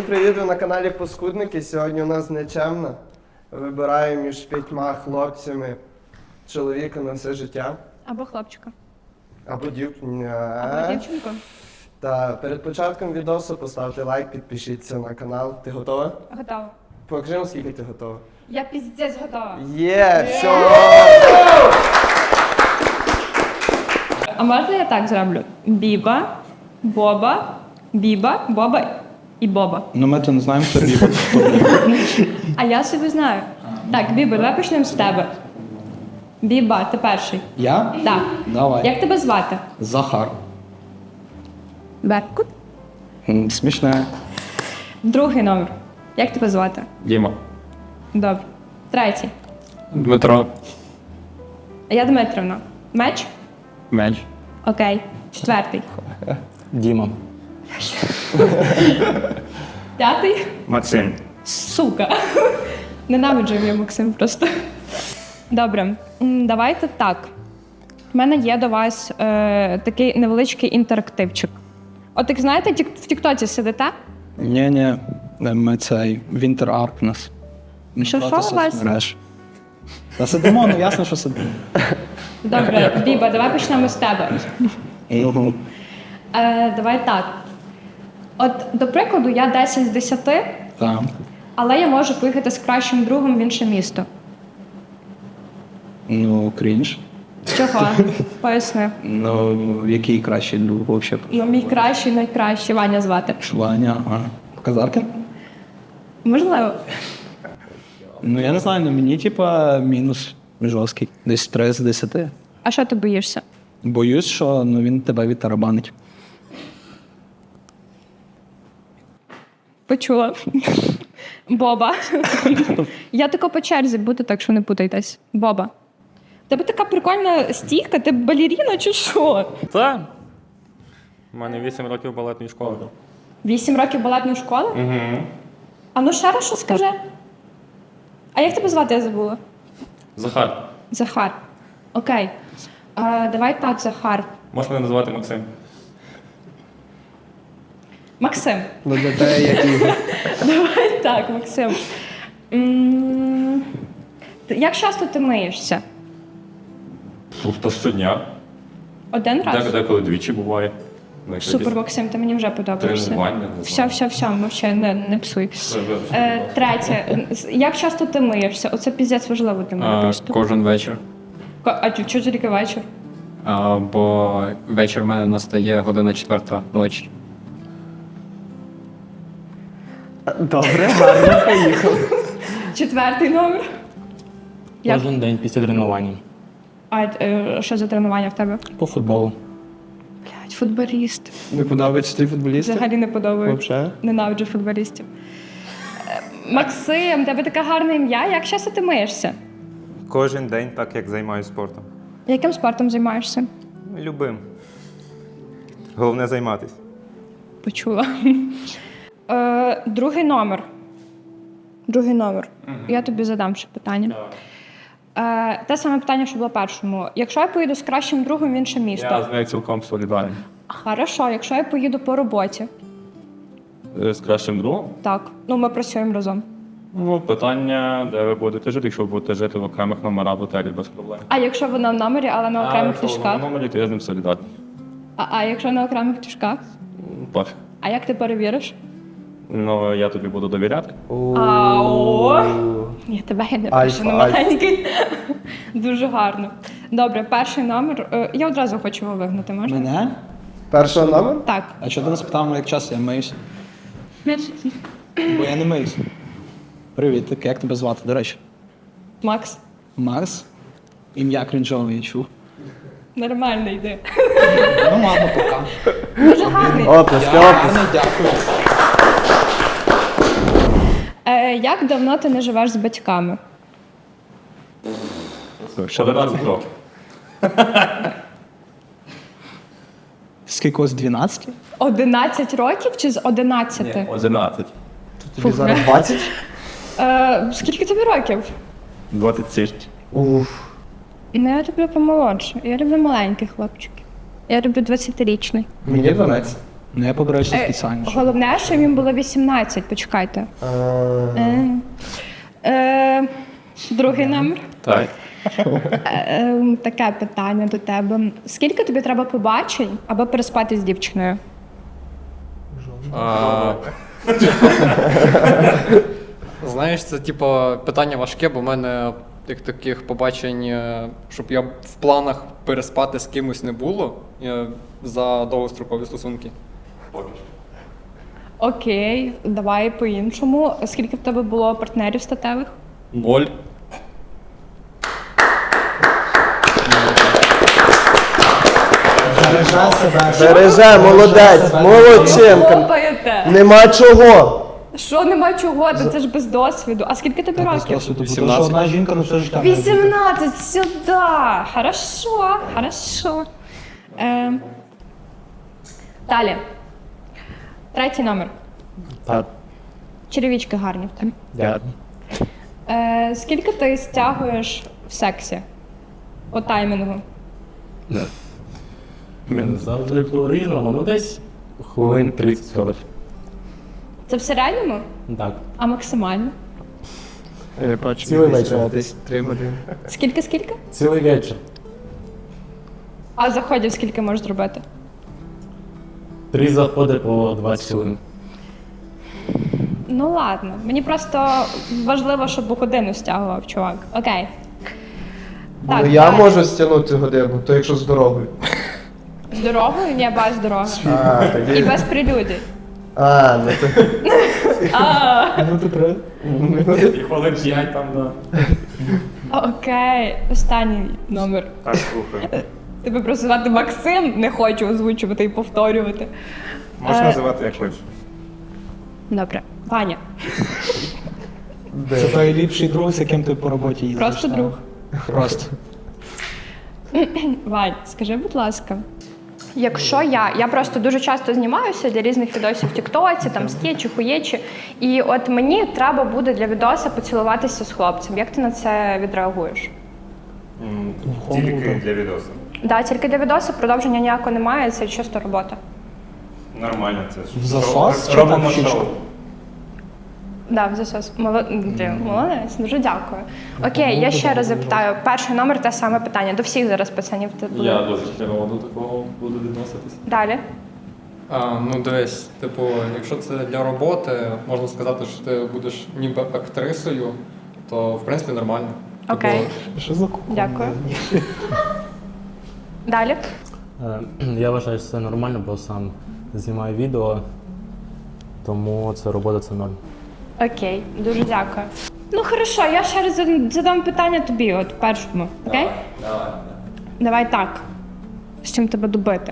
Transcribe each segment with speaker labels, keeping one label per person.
Speaker 1: привіт, ви на каналі Паскудники. Сьогодні у нас нечемно. Вибираю між 5 хлопцями чоловіка на все життя.
Speaker 2: Або хлопчика.
Speaker 1: Або дівчинку.
Speaker 2: Або дівчинку.
Speaker 1: Та перед початком відосу поставте лайк, підпишіться на канал. Ти готова?
Speaker 2: Готова.
Speaker 1: Покажи, наскільки ти готова.
Speaker 2: Я піздець готова.
Speaker 1: Є, все!
Speaker 2: А можна я так зроблю? Біба, Боба, Біба, Боба і Боба.
Speaker 3: Ну ми то не знаємо, хто Біба.
Speaker 2: А я собі знаю. Так, Біба, давай почнемо з тебе. Біба, ти перший.
Speaker 3: Я?
Speaker 2: Так.
Speaker 3: Давай.
Speaker 2: Як тебе звати?
Speaker 3: Захар.
Speaker 2: Беркут.
Speaker 3: Смішне.
Speaker 2: Другий номер. Як тебе звати?
Speaker 4: Діма.
Speaker 2: Добре. Третій.
Speaker 4: Дмитро.
Speaker 2: А я Дмитрівна. Меч?
Speaker 4: Меч.
Speaker 2: Окей. Четвертий.
Speaker 3: Діма.
Speaker 2: П'ятий?
Speaker 4: Максим.
Speaker 2: Сука. Ненавиджу я Максим просто. Добре, давайте так. У мене є до вас такий невеличкий інтерактивчик. От як знаєте, в Тіктоці сидите?
Speaker 3: Ні, ми цей Winter Arp у нас.
Speaker 2: Що у вас?
Speaker 3: Та сидимо, ну ясно, що сидимо.
Speaker 2: Добре, Біба, давай почнемо з тебе. Давай так. От, до прикладу, я 10 з 10,
Speaker 3: Так.
Speaker 2: але я можу поїхати з кращим другом в інше місто.
Speaker 3: Ну, крінж.
Speaker 2: Чого? Поясни.
Speaker 3: Ну, який кращий друг взагалі?
Speaker 2: Ну, мій кращий, найкращий, Ваня звати.
Speaker 3: Ваня, ага. Казаркин?
Speaker 2: Можливо.
Speaker 3: Ну, я не знаю, ну мені, типа, мінус жорсткий. Десь 3 з 10.
Speaker 2: А що ти боїшся?
Speaker 3: Боюсь, що ну, він тебе відтарабанить.
Speaker 2: Почула. Боба. Я тако по черзі буду, так що не путайтесь. Боба. В тебе така прикольна стійка, ти балеріна чи що?
Speaker 4: Та. У мене 8 років балетної школи.
Speaker 2: 8 років балетної школи?
Speaker 4: Угу.
Speaker 2: А ну ще раз що скажи. А як тебе звати, я забула?
Speaker 4: Захар.
Speaker 2: Захар. Окей. Давай так, Захар.
Speaker 4: Можеш мене називати Максим?
Speaker 2: Максим.
Speaker 1: Ну для тебе як Ігор.
Speaker 2: Давай так, Максим. Як часто ти миєшся?
Speaker 4: Тобто щодня.
Speaker 2: Один раз?
Speaker 4: Деколи двічі буває. Ну,
Speaker 2: Супер, Максим, ти мені вже подобаєшся.
Speaker 4: Тренування, не знаю.
Speaker 2: Все, мовчай, не псуй. Третє. Як часто ти миєшся? Оце піздець важливо для мене просто.
Speaker 5: Кожен вечір.
Speaker 2: А чого тільки вечір?
Speaker 5: Бо вечір в мене настає 1:04 ночі.
Speaker 1: Добре, гарно, поїхав.
Speaker 2: Четвертий номер. Як?
Speaker 6: Кожен день після тренування.
Speaker 2: А що за тренування в тебе?
Speaker 6: По футболу.
Speaker 2: Блядь, футболіст.
Speaker 1: Не подобаються ті футболісти?
Speaker 2: Взагалі не подобається.
Speaker 1: Вообще?
Speaker 2: Ненавиджу футболістів. Максим, тебе таке гарне ім'я. Як часто ти миєшся?
Speaker 7: Кожен день, так як займаюся спортом.
Speaker 2: Яким спортом займаєшся?
Speaker 7: Любим. Головне займатися.
Speaker 2: Почула. Другий номер. Другий номер. Я тобі задам ще питання. Те саме питання, що було першому. Якщо я поїду з кращим другом в інше місто.
Speaker 4: Я з нею цілком солідарний.
Speaker 2: Хорошо, якщо я поїду по роботі.
Speaker 4: З кращим другом?
Speaker 2: Так. Ну, ми працюємо разом.
Speaker 4: Ну, питання, де ви будете жити, якщо ви будете жити в окремих номерах в готелі без проблем.
Speaker 2: А якщо вона в номері, але на окремих
Speaker 4: якщо
Speaker 2: ліжках?
Speaker 4: ви на номері, то я з ним солідарний.
Speaker 2: А якщо на окремих ліжках?
Speaker 4: Пофіг.
Speaker 2: А як ти перевіриш?
Speaker 4: Ну, я тобі буду довіряти.
Speaker 2: Ні, тебе я не
Speaker 1: Альфа,
Speaker 2: пишу, не маленький. Дуже гарно. Добре, перший номер. Я одразу хочу його вигнати, можна?
Speaker 3: Мене?
Speaker 1: Першого номер?
Speaker 2: Так.
Speaker 3: А чого ти не спитав, як часто я миюсь? Бо я не миюсь. Привіт, так як тебе звати, до речі?
Speaker 2: Макс,
Speaker 3: Марс? Ім'я крінжове я чув.
Speaker 2: нормально йди.
Speaker 3: Ну ладно, пока.
Speaker 2: Дуже гарний.
Speaker 1: Оплески.
Speaker 3: Гарно, дякую.
Speaker 2: Як давно ти не живеш з батьками?
Speaker 4: Ще 11 років.
Speaker 3: Скільки ось 12?
Speaker 2: 11 років чи з 11?
Speaker 4: 11.
Speaker 1: Тобі зараз 20?
Speaker 2: Скільки тобі років?
Speaker 4: 27.
Speaker 1: Уф.
Speaker 2: Ну, я люблю помолодше. Я люблю маленьких хлопчиків. Я люблю 20-річний.
Speaker 1: Мені 12.
Speaker 3: Ну я побоюся спеціально. щоб-
Speaker 2: Головне, що їм було 18, почекайте. Другий номер.
Speaker 5: Так.
Speaker 2: Таке питання до тебе. Скільки тобі треба побачень, аби переспати з дівчиною?
Speaker 5: Знаєш, це типу питання важке, бо в мене таких побачень, щоб я в планах переспати з кимось не було за довгострокові стосунки.
Speaker 2: Окей, давай по-іншому. Скільки в тебе було партнерів статевих?
Speaker 4: 0.
Speaker 1: Береже, молодець, молодчинка.
Speaker 2: Хлопаєте!
Speaker 1: Нема чого.
Speaker 2: Що нема чого? Це ж без досвіду. А скільки тобі років?
Speaker 3: Просто, тому що одна жінка на все життя. може бути.
Speaker 2: 18, сюди. Хорошо, хорошо. Далі. Третій номер.
Speaker 3: Так.
Speaker 2: Черевички гарні в тебе.
Speaker 3: Дякую.
Speaker 2: Скільки ти стягуєш в сексі? По таймінгу?
Speaker 6: Завжди по-різному, ну десь хвилин 30-40.
Speaker 2: Це в середньому?
Speaker 6: Так.
Speaker 2: А максимально?
Speaker 3: Я бачу,
Speaker 6: Цілий вечір.
Speaker 3: десь 3 години.
Speaker 2: Скільки?
Speaker 6: Цілий вечір.
Speaker 2: А заходів скільки можеш зробити?
Speaker 6: 3 заходи по 20 хвилин.
Speaker 2: Ну ладно. Мені просто важливо, щоб у годину стягував, чувак. Окей.
Speaker 1: Ну я
Speaker 2: далі.
Speaker 1: можу стягнути годину, то якщо з дорогою.
Speaker 2: З дорогою? Ні, без дороги.
Speaker 1: А,
Speaker 2: І
Speaker 1: тоді.
Speaker 2: без прелюдій.
Speaker 1: А, ну то.
Speaker 3: Ну ти правильно.
Speaker 4: І хвилин 5 там, да.
Speaker 2: Окей. Останній номер.
Speaker 4: Так, слухай.
Speaker 2: Тебе просто звати Максим, не хочу озвучувати і повторювати.
Speaker 7: Можеш називати як хочеш.
Speaker 2: Добре. Ваня.
Speaker 3: Це той ліпший друг, з яким ти по роботі їздиш.
Speaker 2: Просто
Speaker 3: так?
Speaker 2: друг.
Speaker 3: Просто.
Speaker 2: Вань, скажи, будь ласка. Якщо я просто дуже часто знімаюся для різних відосів в Тіктоці, там скетчі, хуєчі, і от мені треба буде для відоса поцілуватися з хлопцем. Як ти на це відреагуєш?
Speaker 7: Тільки для відосу.
Speaker 2: Да, тільки для відоса продовження ніякого немає, це чисто робота.
Speaker 7: Нормально це ж.
Speaker 3: В засос чи
Speaker 7: Робимо
Speaker 3: так в щічку?
Speaker 7: шоу.
Speaker 2: Да, в засос. Молодець, дуже дякую. Окей, я ще раз запитаю. Перший номер те саме питання. До всіх зараз пацанів це буде.
Speaker 4: Я дуже херово до такого буду відноситись.
Speaker 2: Далі.
Speaker 5: Ну дивись, типу, якщо це для роботи, можна сказати, що ти будеш ніби актрисою, то в принципі нормально.
Speaker 2: Окей.
Speaker 3: Що за кухня?
Speaker 2: Дякую. Далі.
Speaker 6: Я вважаю, що це нормально, бо сам знімаю відео, тому це робота це ноль.
Speaker 2: Окей, дуже дякую. Ну хорошо, я ще раз задам питання тобі, от першому. Окей? Давай так. З чим тебе добити?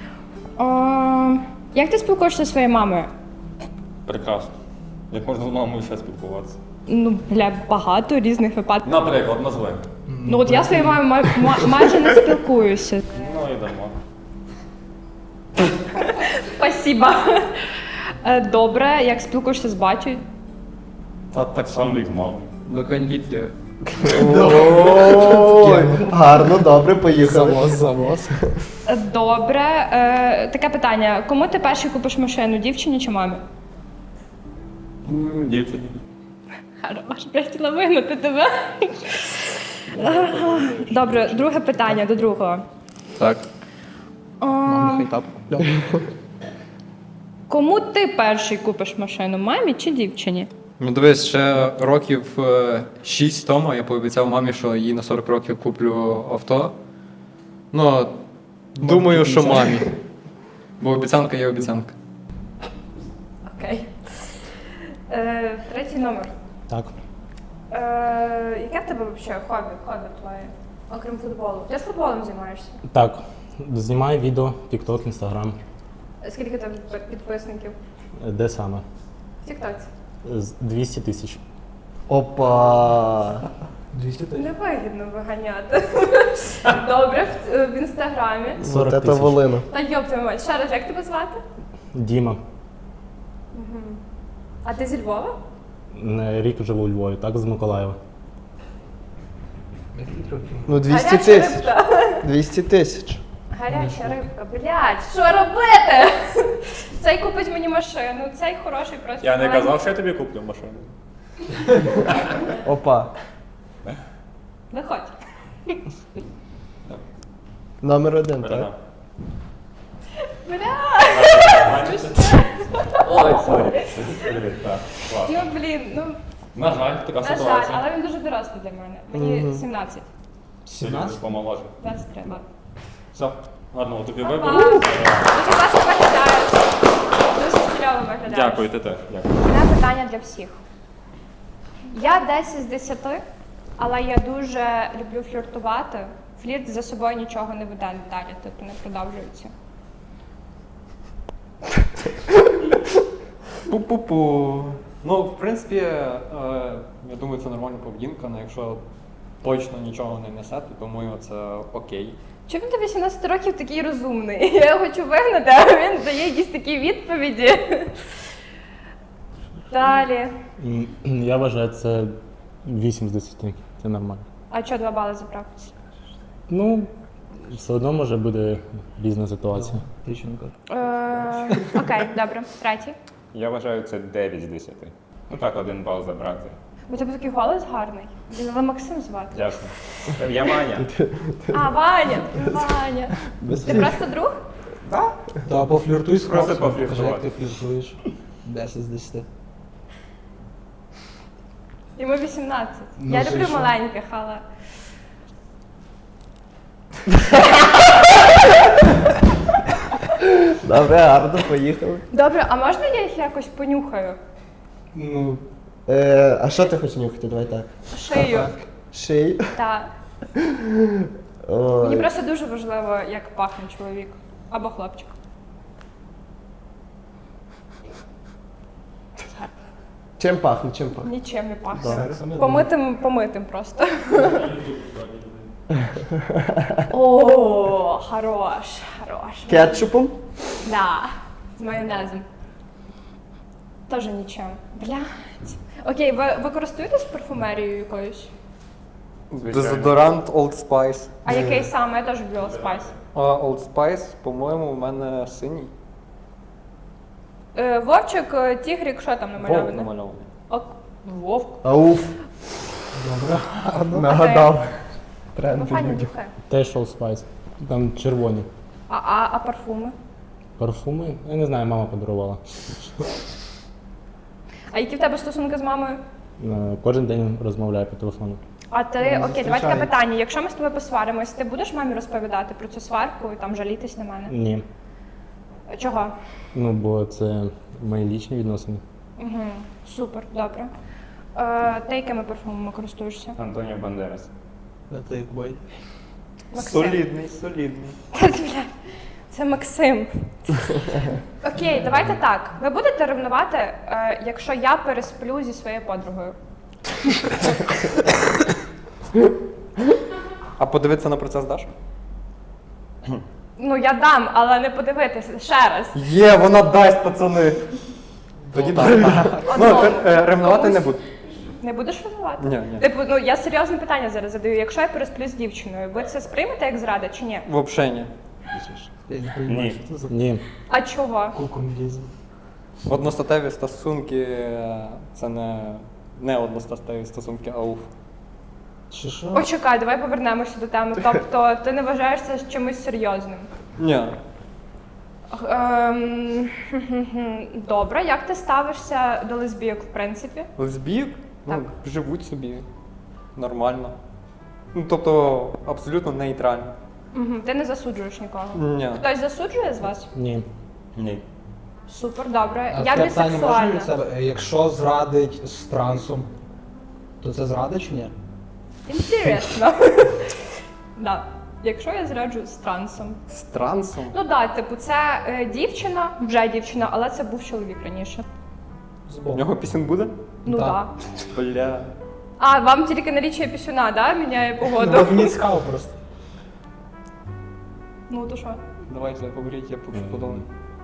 Speaker 2: Як ти спілкуєшся зі своєю мамою?
Speaker 4: Прекрасно. Як можна з мамою ще спілкуватися?
Speaker 2: Ну, бля, багато різних випадків.
Speaker 4: Наприклад, назви.
Speaker 2: Ну от я зі своєю мамою майже не спілкуюся.
Speaker 4: Ну і дамо.
Speaker 2: Спасибо. Добре, як спілкуєшся з батьком?
Speaker 4: Та так само, як з мамою.
Speaker 3: До кондицією.
Speaker 1: Ой, гарно, добре, поїхали.
Speaker 3: Завоз.
Speaker 2: Добре. Таке питання. Кому ти перший купиш машину, дівчині чи мамі?
Speaker 4: Дівчині.
Speaker 2: Хорош, я хотіла вигнати тебе. Добре, друге питання до другого.
Speaker 5: Так.
Speaker 3: Мамі хай тап.
Speaker 2: Кому ти перший купиш машину, мамі чи дівчині?
Speaker 5: Ну дивись, ще років 6 тому я пообіцяв мамі, що їй на 40 років куплю авто. Ну, думаю, що мамі. Бо обіцянка є обіцянка.
Speaker 2: Окей. Третій номер.
Speaker 6: Так.
Speaker 2: Яке в тебе взагалі хобі твоє, окрім футболу? Ти ж футболом займаєшся?
Speaker 6: Так. Знімаю відео, TikTok, Instagram.
Speaker 2: Скільки тебе підписників?
Speaker 6: Де саме?
Speaker 2: В Тіктоці.
Speaker 6: 200 тисяч.
Speaker 1: Опа.
Speaker 2: Невигідно виганяти. Добре, в інстаграмі.
Speaker 6: 40
Speaker 1: Вот это
Speaker 6: тисяч.
Speaker 1: волина.
Speaker 2: Та йоп твою мать, ще раз, як тебе звати?
Speaker 6: Діма.
Speaker 2: А ти зі Львова?
Speaker 6: Рік живу у Львові, так, з Миколаєва.
Speaker 1: Ну 200
Speaker 2: Гаряча
Speaker 1: тисяч.
Speaker 2: рибка.
Speaker 1: 200 тисяч.
Speaker 2: Гаряча рибка, блядь, що робити? Цей купить мені машину, цей хороший просто.
Speaker 4: Я не
Speaker 2: маленький.
Speaker 4: казав, що я тобі куплю машину.
Speaker 1: Опа.
Speaker 2: Виходь.
Speaker 1: Номер 1, так?
Speaker 4: Передам.
Speaker 5: Ой, сорі.
Speaker 4: Так, клас.
Speaker 2: Ну, блін, ну,
Speaker 5: На жаль, така
Speaker 2: на жаль,
Speaker 5: ситуація.
Speaker 2: але він дуже дорослий для мене. Мені 17.
Speaker 3: 17?
Speaker 4: Помоложе.
Speaker 2: 23, ладно.
Speaker 4: Все, гарного тобі
Speaker 2: Па-па.
Speaker 4: вибору.
Speaker 2: Дуже класно виглядаєш. Дуже стильово виглядаєш.
Speaker 4: Дякую, ти теж. Дякую.
Speaker 2: У мене питання для всіх. Я 10 з 10, але я дуже люблю фліртувати. Флірт за собою нічого не веде далі, типу не продовжується.
Speaker 5: Пу-пу-пу. Ну, в принципі, я думаю, це нормальна поведінка, але якщо точно нічого не несе, то думаю, це окей.
Speaker 2: Чому він до 18 років такий розумний? Я його хочу вигнати, а він дає якісь такі відповіді. Далі.
Speaker 6: Я вважаю, це 8 з 10. Це нормально.
Speaker 2: А чого 2 бали забрав?
Speaker 6: Ну, все одно може бути різна ситуація.
Speaker 3: Тиченко.
Speaker 2: Окей, добре. Третій.
Speaker 7: Я вважаю, це 9 з 10. Ну так, 1 бал забрати.
Speaker 2: У тебе такий голос гарний. Він але Максим звати.
Speaker 7: Дякую. Я Ваня.
Speaker 2: А, Ваня! Ваня. Ти просто друг?
Speaker 3: Та пофліртуй з
Speaker 7: Просто
Speaker 3: хлопцем, покажи, як
Speaker 7: пофліртувати.
Speaker 3: ти фліртуєш. 10 з 10.
Speaker 2: Йому 18.
Speaker 3: Ну,
Speaker 2: Я
Speaker 3: це
Speaker 2: люблю
Speaker 3: що?
Speaker 2: маленьких, але.
Speaker 1: Добре, гарно, поїхали.
Speaker 2: Добре, а можна я їх якось понюхаю?
Speaker 3: Ну,
Speaker 1: А що ти хочеш нюхати? Давай так.
Speaker 2: Шию.
Speaker 1: Ший.
Speaker 2: Так. Мені
Speaker 1: Ой.
Speaker 2: просто дуже важливо, як пахне чоловік. Або хлопчик.
Speaker 1: Чим пахне, чим пахне?
Speaker 2: Нічим не пахне.
Speaker 1: Добре.
Speaker 2: Помитим просто. О, хорош.
Speaker 1: Кетчупом?
Speaker 2: Да, з майонезом. Тоже нічим. Блядь. Окей, ви користуєтесь парфумерією якоюсь?
Speaker 5: Дезодорант Old Spice.
Speaker 2: А який саме? Я теж люблю Old Spice.
Speaker 5: Old Spice, по-моєму, у мене синій.
Speaker 2: Вовчик, тігрік, що там
Speaker 5: Вовк
Speaker 2: намальовано?
Speaker 5: намальований.
Speaker 2: Вовк.
Speaker 1: Ауф. Нагадав.
Speaker 2: Ну,
Speaker 1: Тренд.
Speaker 2: файні духи.
Speaker 6: Теж Old Spice. Там червоні.
Speaker 2: А парфуми?
Speaker 6: Парфуми? Я не знаю, мама подарувала.
Speaker 2: А які в тебе стосунки з мамою?
Speaker 6: Кожен день розмовляю по телефону.
Speaker 2: А ти, окей, давай таке питання. Якщо ми з тобою посваримось, ти будеш мамі розповідати про цю сварку і там жалітись на мене?
Speaker 6: Ні.
Speaker 2: Чого?
Speaker 6: Ну, бо це мої лічні відносини.
Speaker 2: Угу. Супер, добре. Ти якими парфумами користуєшся?
Speaker 7: Антоніо Бандерас.
Speaker 3: це як бой.
Speaker 2: Максим.
Speaker 5: Солідний.
Speaker 2: Це Максим. Окей, давайте так. Ви будете ревнувати, якщо я пересплю зі своєю подругою?
Speaker 5: А подивитися на процес даш?
Speaker 2: Ну, я дам, але не подивитися ще раз.
Speaker 5: Є, вона дасть, пацани. Тоді так. Ну,
Speaker 2: Одному.
Speaker 5: ревнувати не
Speaker 2: Комусь?
Speaker 5: буду.
Speaker 2: Не будеш ревнувати?
Speaker 5: Ні.
Speaker 2: Типу, ну я серйозне питання зараз задаю. Якщо я пересплю з дівчиною, ви це сприймете як зрада чи ні?
Speaker 5: Взагалі ні.
Speaker 3: Я не розумію,
Speaker 7: Ні.
Speaker 3: що це за
Speaker 6: Ні.
Speaker 2: А чого?
Speaker 3: кукумлізм.
Speaker 5: Одностатеві стосунки це не одностатеві стосунки, а уф.
Speaker 3: Чи що?
Speaker 2: Почекай, давай повернемося до теми. Тобто ти не вважаєш це чимось серйозним?
Speaker 5: Ні.
Speaker 2: Добре, як ти ставишся до лесбійок, в принципі?
Speaker 5: Лесбійок?
Speaker 2: Так.
Speaker 5: Ну, живуть собі. Нормально. Ну, тобто, абсолютно нейтрально.
Speaker 2: Ти не засуджуєш нікого.
Speaker 5: Ні.
Speaker 2: Хтось засуджує з вас?
Speaker 6: Ні.
Speaker 7: Ні.
Speaker 2: Супер, добре.
Speaker 3: А
Speaker 2: Я
Speaker 3: таке питання можна
Speaker 2: бісексуальна.
Speaker 3: від себе? Якщо зрадить з трансом, то це зрада чи ні?
Speaker 2: Інтересно. Да. Якщо я зраджу з трансом.
Speaker 5: З трансом?
Speaker 2: Ну так, типу, це дівчина, вже дівчина, але це був чоловік раніше.
Speaker 5: У нього пісень буде?
Speaker 2: Ну
Speaker 3: Так.
Speaker 2: так. Да.
Speaker 5: Бля.
Speaker 2: А, вам тільки налічує пісюна, да? Міняє погоду?
Speaker 3: Ну, мені цікаво просто.
Speaker 2: Ну, то що?
Speaker 5: Давай, говоріть, я поки подумаю.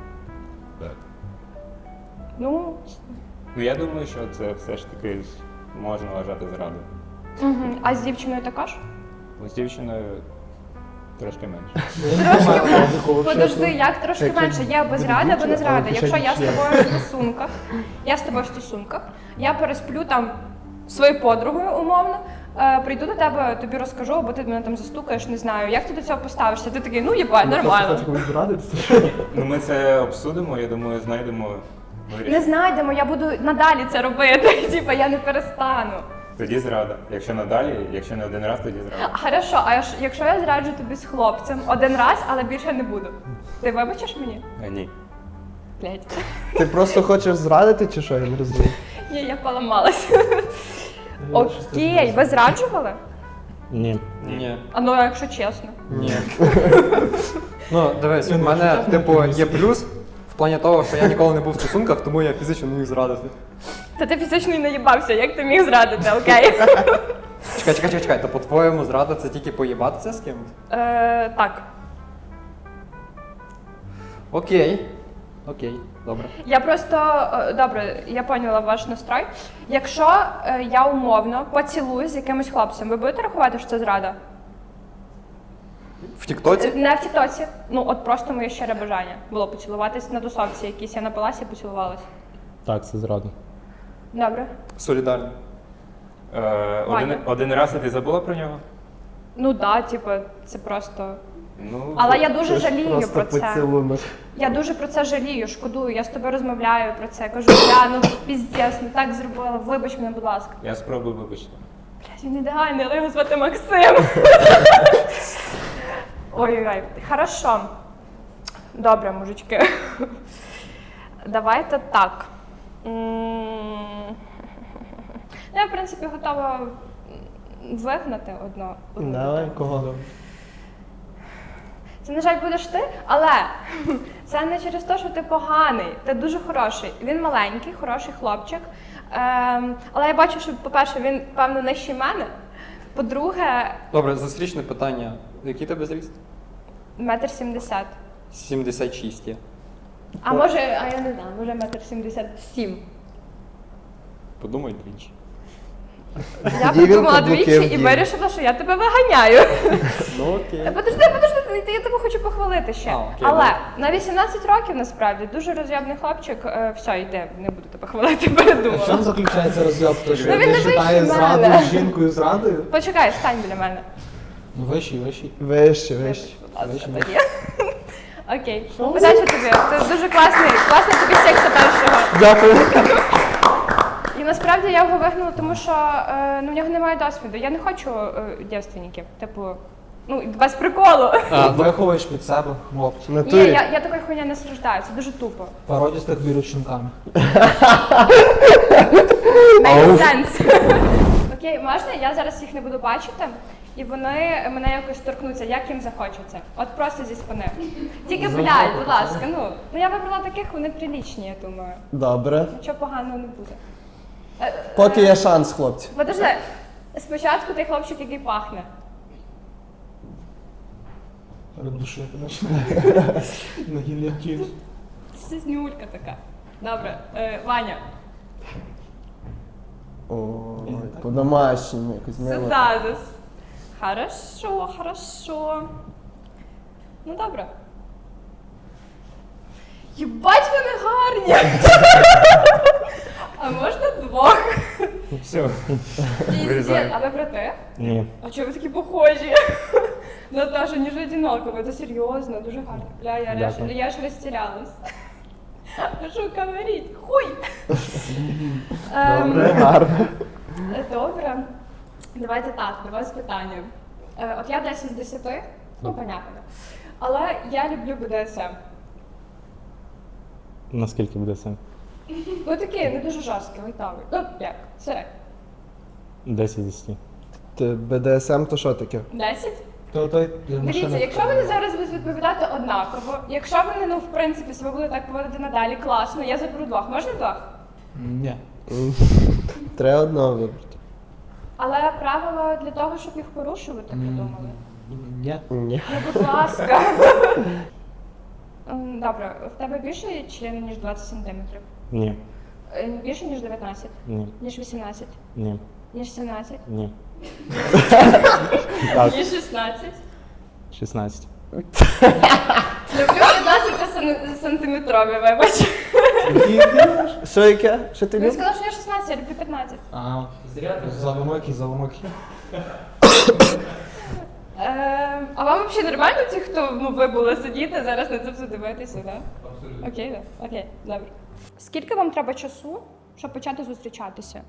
Speaker 2: Ну,
Speaker 7: Ну я думаю, що це все ж таки можна вважати зрадою.
Speaker 2: а з дівчиною також?
Speaker 7: З дівчиною Трошки менше.
Speaker 2: Подожди, як трошки
Speaker 1: Як
Speaker 2: менше? Є або зрада, або не зрада.
Speaker 1: але
Speaker 2: Якщо я з
Speaker 1: ще
Speaker 2: тобою в стосунках, я пересплю там зі своєю подругою, умовно, прийду до тебе, тобі розкажу, або ти мене там застукаєш, не знаю. Як ти до цього поставишся? Ти такий, ну їбать, нормально.
Speaker 7: Ну ми це обсудимо, я думаю, знайдемо вирішення.
Speaker 2: Не знайдемо, я буду надалі це робити. Типа я не перестану.
Speaker 7: Тоді зрада. Якщо надалі, якщо не один раз, тоді зрада.
Speaker 2: Хорошо, якщо я зраджу тобі з хлопцем один раз, але більше не буду. Ти вибачиш мені?
Speaker 7: Ні.
Speaker 2: Блять.
Speaker 1: Ти просто хочеш зрадити чи що? Я не розумію.
Speaker 2: Ні, я поламалася. Окей, ви зраджували?
Speaker 6: Ні.
Speaker 5: Ні.
Speaker 2: А ну, якщо чесно.
Speaker 5: Ні. Ну, дивись, в мене, типу, є плюс в плані того, що я ніколи не був в стосунках, тому я фізично не міг зрадити.
Speaker 2: Та ти фізично і не їбався, як ти міг зрадити, окей?
Speaker 5: Чекай, то по-твоєму зрада це тільки поїбатися з кимось?
Speaker 2: Так.
Speaker 5: Окей, добре.
Speaker 2: Я просто добре, я поняла ваш настрой. Якщо я умовно поцілуюсь з якимось хлопцем, ви будете рахувати, що це зрада?
Speaker 5: В Тіктоці?
Speaker 2: Не в тіктоці. Ну, от просто моє щире бажання було поцілуватись на тусовці якійсь. Я напилася і поцілувалась.
Speaker 6: Так, це зрада.
Speaker 2: Добре.
Speaker 5: Солідарно.
Speaker 2: Ваня.
Speaker 7: Один раз і ти забула про нього?
Speaker 2: Ну да, типу, це просто.
Speaker 7: Ну,
Speaker 2: Але я дуже жалію
Speaker 1: Просто
Speaker 2: про це.
Speaker 1: поцілунок.
Speaker 2: Я дуже про це жалію, шкодую. Я з тобою розмовляю про це. Кажу, я ну піздець, не так зробила. Вибач мене, будь ласка.
Speaker 7: я спробую вибачити.
Speaker 2: Блядь, він ідеальний, але його звати Максим. Ой-ой-ой. Хорошо. Добре, мужички. Давайте так. Я, в принципі, готова вигнати одну.
Speaker 1: Давай, кого?
Speaker 2: Це, на жаль, будеш ти, але це не через те, що ти поганий. Ти дуже хороший. Він маленький, хороший хлопчик. Але я бачу, що, по-перше, він, певно, нижчий мене. По-друге,
Speaker 5: Добре, зустрічне питання. Який тебе зріст?
Speaker 2: 1,70 м.
Speaker 5: 76 є.
Speaker 2: А може, я не знаю, може 1,77 м.
Speaker 5: Подумай двічі.
Speaker 2: Я
Speaker 1: Тоді він
Speaker 2: подумала
Speaker 1: каблуки
Speaker 2: двічі і
Speaker 1: вдів.
Speaker 2: вирішила, що я тебе виганяю.
Speaker 5: Ну окей.
Speaker 2: Подожди, я тебе хочу похвалити ще.
Speaker 5: А, окей,
Speaker 2: Але
Speaker 5: добре.
Speaker 2: на 18 років насправді дуже роз'єбний хлопчик. Все, йде, не буду тебе хвалити, передумала.
Speaker 8: Чим заключається розйоб? То, що
Speaker 2: Ну, він
Speaker 8: він
Speaker 2: не
Speaker 8: вважає
Speaker 2: вищий
Speaker 8: зраду
Speaker 2: мене.
Speaker 8: з жінкою зрадою?
Speaker 2: Почекай, стань біля мене.
Speaker 8: Ну, вищий.
Speaker 1: Вище.
Speaker 2: Тоді. Окей. Удачі тобі. Ти дуже класний тобі секса першого.
Speaker 1: Дякую.
Speaker 2: І насправді я його вигнала, тому що в нього немає досвіду. Я не хочу дівственників. Типу, ну, без приколу.
Speaker 8: Виховуєш під себе хлопця.
Speaker 1: В
Speaker 2: Ні,
Speaker 1: натурі.
Speaker 2: я такої хуйня не страждаю, це дуже тупо.
Speaker 8: Породістих вірученками.
Speaker 2: Make sense. Окей, можна? Я зараз їх не буду бачити, і вони мене якось торкнуться, як їм захочеться. От просто зі спини. Тільки, блядь, будь ласка, ну я вибрала таких, вони прилічні, я думаю.
Speaker 1: Добре.
Speaker 2: Нічого поганого не буде.
Speaker 1: Поки є шанс, хлопці.
Speaker 2: Подожди, спочатку той хлопчик, який пахне.
Speaker 8: Передушити починає. На гільотину.
Speaker 2: Це знюлька така. Добре, Ваня.
Speaker 1: Ой, по-домашньому якось мило.
Speaker 2: Сюдазис. Хорошо. Ну добре. Єбать, вони гарні! А можна двох?
Speaker 7: Все.
Speaker 2: Піздець.
Speaker 7: Вирізаю.
Speaker 2: А ви брати?
Speaker 6: Ні.
Speaker 2: А чого ви такі похожі? Наташа, ніж одинаково, це серйозно, дуже гарно. Бля,
Speaker 6: Дякую.
Speaker 2: я ж розтірялась. Що говорить? Хуй!
Speaker 1: Добре, гарно.
Speaker 2: Добре. Давайте так, до вас питання. От я 10 з 10, ну, понятно. Але я люблю БДСМ.
Speaker 6: Наскільки буде це?
Speaker 2: Ну такий, не дуже жорсткий, лайтовий. Ну, як, середньо.
Speaker 6: 10 з 10.
Speaker 1: БДСМ то що таке?
Speaker 2: 10?
Speaker 8: То той
Speaker 2: Дивіться, якщо вони зараз будуть відповідати однаково, якщо вони, ну, в принципі, себе будуть так поводити надалі, класно, я заберу двох. Можна двох?
Speaker 8: Ні.
Speaker 1: Треба одного вибрати.
Speaker 2: Але правила для того, щоб їх порушувати, придумали.
Speaker 8: Ні.
Speaker 1: Ні.
Speaker 2: Ну, будь ласка. Добре, в тебе більше член, ніж 20 сантиметрів?
Speaker 6: Ні.
Speaker 2: Більше, ніж 19?
Speaker 6: Ні.
Speaker 2: Ніж 18?
Speaker 6: Ні.
Speaker 2: Ніж 17?
Speaker 6: Ні. Так.
Speaker 2: Ніж 16?
Speaker 6: 16.
Speaker 2: Люблю 15 сантиметрові, вибач.
Speaker 1: Що яке? Що ти
Speaker 2: Він
Speaker 1: любиш?
Speaker 2: сказав, що я 16, я люблю 15.
Speaker 8: А, завомоки.
Speaker 2: А вам взагалі нормально ті, хто вибули сидіти, зараз на це все дивитися, так? Абсолютно. Окей, так? Окей, добре. Скільки вам треба часу, щоб почати зустрічатися?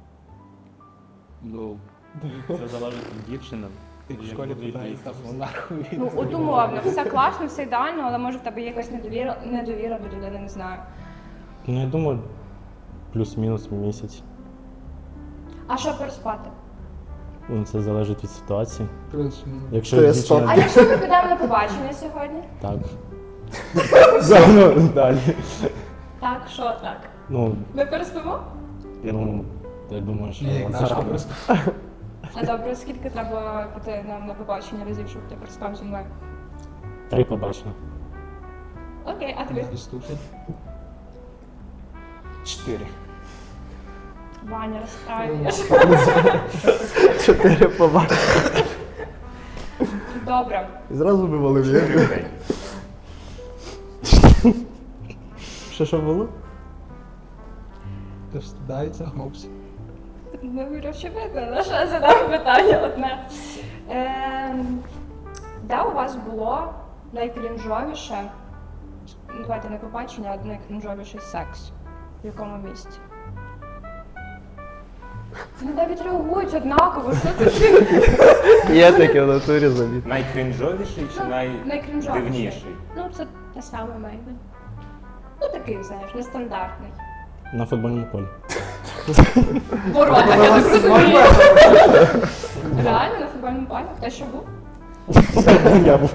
Speaker 3: Ну, це залежить від дівчини.
Speaker 8: Ти в школі питаєшся, нахуй.
Speaker 2: Ну, от умовно, все класно, все ідеально, але може в тебе є якась недовіра до людини, не знаю.
Speaker 6: Ну, я думаю, плюс-мінус місяць.
Speaker 2: А що переспати?
Speaker 6: Ну, це залежить від ситуації.
Speaker 8: Плюс.
Speaker 6: Якщо
Speaker 1: То є
Speaker 2: А
Speaker 6: дівчина...
Speaker 2: якщо ми підемо на побачення сьогодні?
Speaker 6: Так. Ну, далі.
Speaker 2: Так, що так?
Speaker 6: Ну,
Speaker 2: Ми переспимо?
Speaker 6: я думаю, що...
Speaker 8: Ні,
Speaker 6: це-
Speaker 8: просто.
Speaker 2: А добре, скільки треба піти нам на побачення разів, щоб ти переспав зі мною?
Speaker 6: 3 побачення.
Speaker 2: Окей, а тобі?
Speaker 8: Ступень. 4.
Speaker 2: Ваня, розстраюєш.
Speaker 1: 4 побачення.
Speaker 2: Добре.
Speaker 1: І зразу вивалив я. Що було?
Speaker 8: Ти встидається, хлопці.
Speaker 2: Ну, очевидно, на що я задам питання одне. Де у вас було найкрінжовіше, ну, давайте не побачення, а найкрінжовіший секс? В якому місці? Вони навіть реагують однаково, що це таке?
Speaker 1: Є таке в натурі забіг.
Speaker 7: Найкрінжовіший чи
Speaker 2: Найкрінжовіший.
Speaker 7: найдивніший?
Speaker 2: Ну, це те саме мейбі. Ну, такий, знаєш, нестандартний.
Speaker 6: На футбольному полі.
Speaker 2: Ворота, я так розумію. Реально, на футбольному полі? Хто ще був?
Speaker 6: Я був.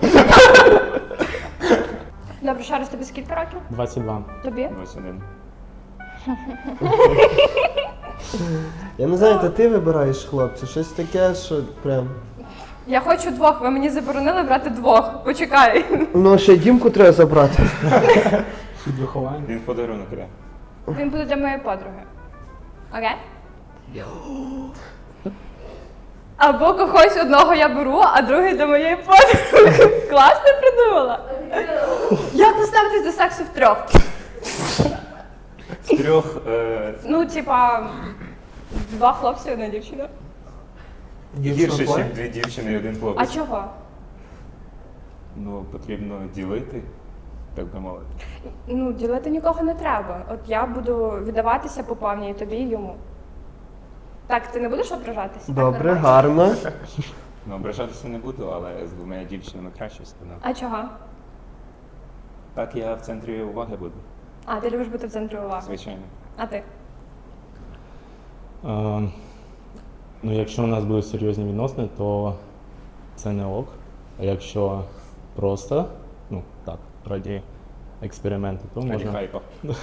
Speaker 2: Добре, ще раз, тобі скільки років?
Speaker 6: 22.
Speaker 2: Тобі?
Speaker 7: Ось один.
Speaker 1: Я не знаю, то ти вибираєш, хлопці, щось таке, що прям.
Speaker 2: Я хочу двох, ви мені заборонили брати двох. Почекай.
Speaker 1: Ну, ще Дімку треба забрати.
Speaker 8: Під виховання.
Speaker 7: Він подарунок іде.
Speaker 2: Він буде для моєї подруги. Окей? Або когось одного я беру, а другий до моєї подруги. Класно придумала. Як поставитись до сексу втрьох?
Speaker 7: З трьох
Speaker 2: Ну, типа, 2 хлопці, 1 дівчина.
Speaker 7: гірше, ніж 2 дівчини і 1
Speaker 2: А
Speaker 7: хлопець.
Speaker 2: чого?
Speaker 7: Ну, потрібно ділити, так би мовити.
Speaker 2: Ну, ділити нікого не треба. От я буду віддаватися по повній тобі і йому. Так, ти не будеш ображатися? Так,
Speaker 1: Добре,
Speaker 2: нормально?
Speaker 1: гарно.
Speaker 7: Ну, ображатися не буду, але з 2 дівчинами краще все одно.
Speaker 2: А чого?
Speaker 7: Так я в центрі уваги буду,
Speaker 2: А, ти любиш бути в центрі уваги.
Speaker 7: звичайно.
Speaker 2: А ти?
Speaker 6: Ну, якщо у нас будуть серйозні відносини, то це не ок. А якщо просто, ну так, раді експерименту, то
Speaker 7: Раді
Speaker 6: можна.
Speaker 7: хайпа.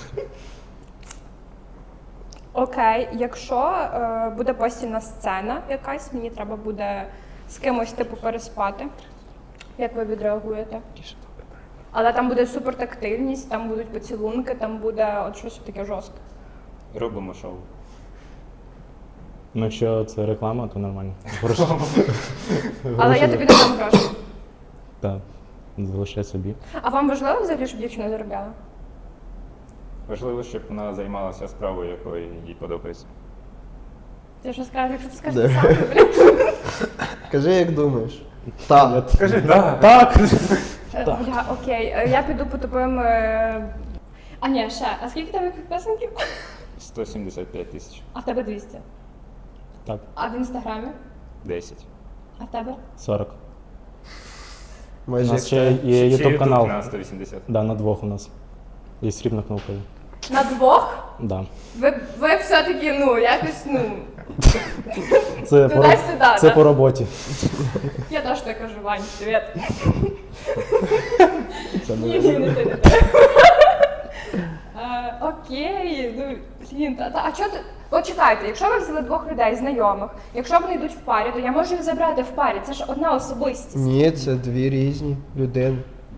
Speaker 2: Окей, якщо буде постільна сцена якась, мені треба буде з кимось типу переспати. Як ви відреагуєте? Але там буде супертактильність, там будуть поцілунки, там буде от щось таке жорстке.
Speaker 7: Робимо шоу.
Speaker 6: Ну, якщо це реклама, то нормально. Гроші.
Speaker 2: Але я тобі не дам гроші.
Speaker 6: Так, залишай собі.
Speaker 2: А вам важливо взагалі, щоб дівчина заробляла?
Speaker 7: Важливо, щоб вона займалася справою, якою їй подобається.
Speaker 2: Ти що скажеш, якщо ти скажеш
Speaker 1: Да.
Speaker 2: те саме, блін.
Speaker 1: Кажи, як думаєш. Так.
Speaker 7: Скажи, так.
Speaker 6: Так!
Speaker 2: Бля, окей, я піду по тупим... А ні, ще. А скільки тебе підписників?
Speaker 7: 175 тисяч.
Speaker 2: А в тебе 200.
Speaker 6: Так,
Speaker 2: А в інстаграмі?
Speaker 7: 10.
Speaker 2: А в тебе?
Speaker 6: 40. У
Speaker 1: Майже як
Speaker 6: нас ще є
Speaker 7: Ще
Speaker 6: ютуб канал.
Speaker 7: на 180.
Speaker 6: Да, на 2 у нас. Є срібна кнопка.
Speaker 2: На 2?
Speaker 6: Да.
Speaker 2: Ви все-таки, ну, якось, ну...
Speaker 6: Це, по,
Speaker 2: Туди-сюди,
Speaker 6: це
Speaker 2: да?
Speaker 6: по роботі.
Speaker 2: Я теж так кажу, Вань, привіт.
Speaker 6: Це
Speaker 2: Ні, ні, не ти, не ти. Окей, ну, блін, а чого ти... От чекайте, якщо ви взяли 2 людей, знайомих, якщо вони йдуть в парі, то я можу їх забрати в парі, це ж одна особистість.
Speaker 1: Ні, це 2 різні людини.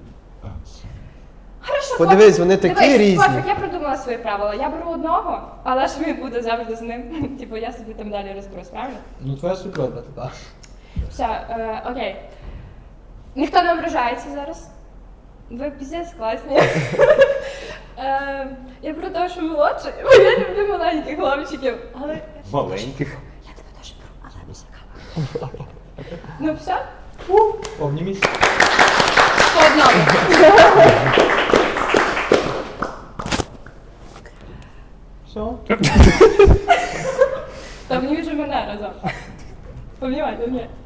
Speaker 2: Хорошо,
Speaker 1: Подивись, вони такі
Speaker 2: дивись,
Speaker 1: різні.
Speaker 2: Пофіг, я придумала свої правила. Я беру одного, але ж він буде завжди з ним. Типу, я собі там далі розберусь, правильно?
Speaker 8: Ну, твоя свекровка, так.
Speaker 2: Все, окей. Ніхто не ображається зараз. Ви піздець класні. Я про те, що молодший, бо я люблю маленьких хлопчиків. Але
Speaker 7: Маленьких.
Speaker 2: я тебе теж беру, але без кава. Ну все,
Speaker 8: Повні місця.
Speaker 2: по одному.
Speaker 8: Все.
Speaker 2: Та мені вже мене разом. Помнівайте, ні.